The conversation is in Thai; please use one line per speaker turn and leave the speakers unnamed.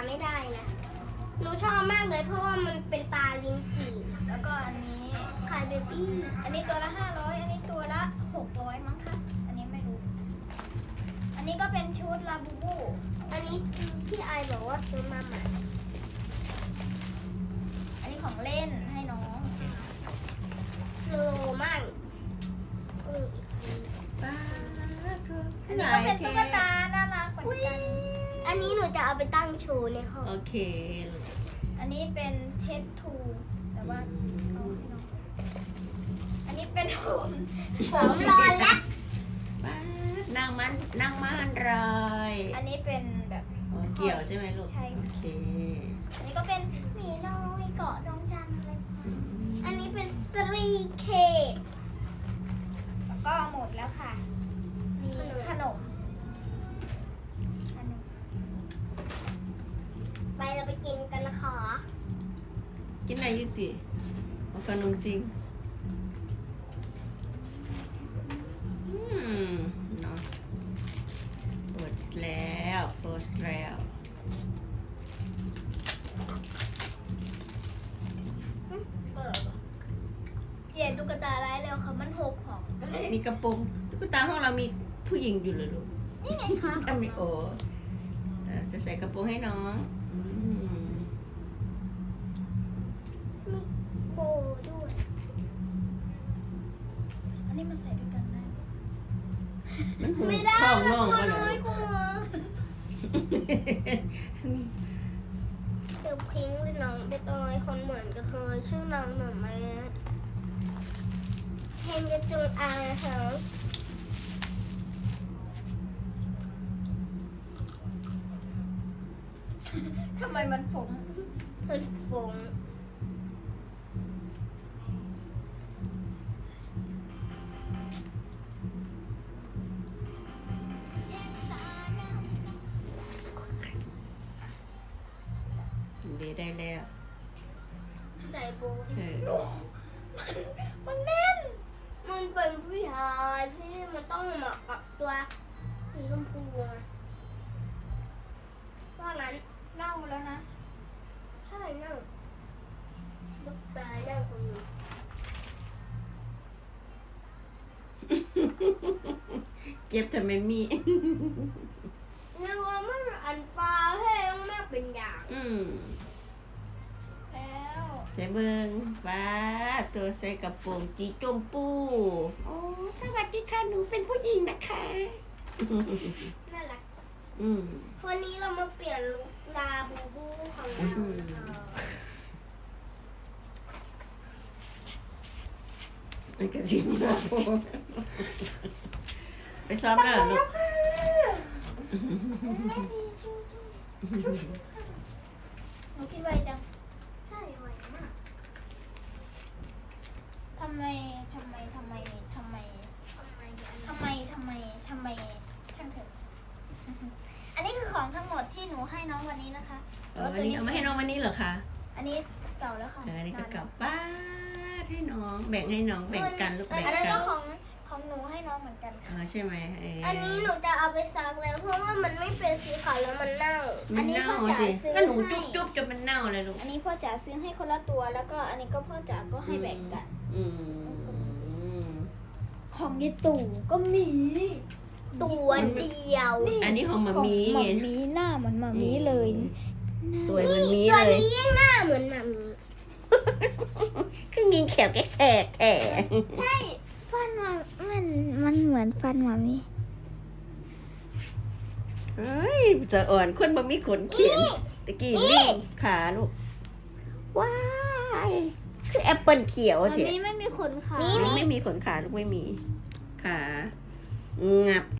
ไม่ได้นะหนูชอบมากเลยเพราะว่ามันเป็นตาลิ้นจี่แล้วก็อันนี้คายเบบี้อันนี้ตัวละ500อันนี้ตัวละ600มั้งคะอันนี้ไม่รู้อันนี้ก็เป็นชุดลาบูบูอันนี้พี่ไอบอกว่าซื้อมาใหม่อันนี้ของเล่นให้น้องโลมากอันนี้ก็เป็นตุ๊กตาน่ารักเหมือนกันอันนี้หนูจะเอาไปตั้งโชว์ในห้อง
โอเค
อันนี้เป็นเทสทูแต่ว่าเอาให้น้องอันนี้เป็นผมรอนแล้ว
นั่งมันรอย
อันนี้เป็นแบบ
เกี่ยวใช่ไหมลูก
ใช่
โอเค
อันนี้ก็เป็นหมีน้อยเกาะดวงจันทร์อะไรอันนี้เป็นสตรีเคกแล้วก็หมดแล้วค่ะนี่ขนมไปเราไปกินกันนะคะ
กินอะไรยุติเอาขนมจริงเนาะเปิดแล้ว
เย่ตุ๊กตาร้ายเร็วค่ะมันหกของ
มีกระโปรงตุ๊กตาห้องเรามีผู้หญิงอยู่เลยลูก
นี่ไงคะ
มีโอจะใส่กระโปรงให้น้อง
มีโบด้วย อันนี้มาใส่ด้วยกันได้
มันหู
ไม่ได้
ท้อง
แล้ว
น้อง
ตัว
ก็เล
น้อย ยกลัวเดี๋ยวพิงค์เลยน้องเป็นตัวน้อยคนเหมือนกับเธอชื่อน้องหน่อไม้เฮนจะจูนอาร์ค่ะทำไมมันฝง
ดีได้แล้ว
ใส่โบ
มัน
แน่นมันเป็นผู้ชายที่มันต้องเหมาะกับตัวสีชมพูว่างั้นเน่าแล้วนะใช่เน่าลูกตาเน่าคนนี้
เก็บทำไมมี
นึกว่ามันอันปลาให้ต้องแม่เป็นอย่างแล้ว
ใส่เบิงป้าตัวใส่กระโปรงจีจมปูโอ้สวัสดีค่ะหนูเป็นผู้หญิงนะคะ
น่ารัก วันนี้เรามาเปลี่ยนลุคลาบูบูของเรา
มันกระชิมนะไปซ้อมแล้วลูก
หนูคิดไวจังใช่ไวมากทำไมช่างเถอะอันนี้คือของทั้งหมดที่หนูให้น้องวันนี้นะคะ
วันนี้เอามาให้น้องวันนี้เหรอคะ
อันนี้เก่าแล้วค่ะ
อันนี้ก็กลับบ้านให้น้องแบ่งให้น้องแบ่งกันลูกแบ่ง
อันนั้น
กั
ก็
น
ของหนูให้น้องเหมือนกันค่ะ
ใช่ไหม
อันนี้หนูจะเอาไปซักแล้วเพราะว่ามันไม่เป็นสีขาวแล้วมันเน่า
มันเน่าสิก็หนูจุ๊บจนมันเน่าเลยลูก
อันนี้พ่อจ๋าซื้อให้คนละตัวแล้วก็อันนี้ก็พ่อจ๋าก็ให้แบ่งกันของยายตู่ก็มีตัวเดียว
อันนี้ของมามี
หมามีหน้าเหมือนหมามีเลย
สวยเหมือนมี
ตัว
เลย
นี้ยิ่งหน้าเหมือนหมามี
คือยิงแขวแกแสกแถ
ใช่ฟันมันเหมือนฟันหมามี
เฮ้ยจะอ่อนคนบ่มีขนเขียนตะกี้นี่ขาลูกว้ายคือแอปเปิลเขียว
หมา
เถอะ
มีไม่มีขนขา
ไม่มีขนขาลูกไม่มีขางับ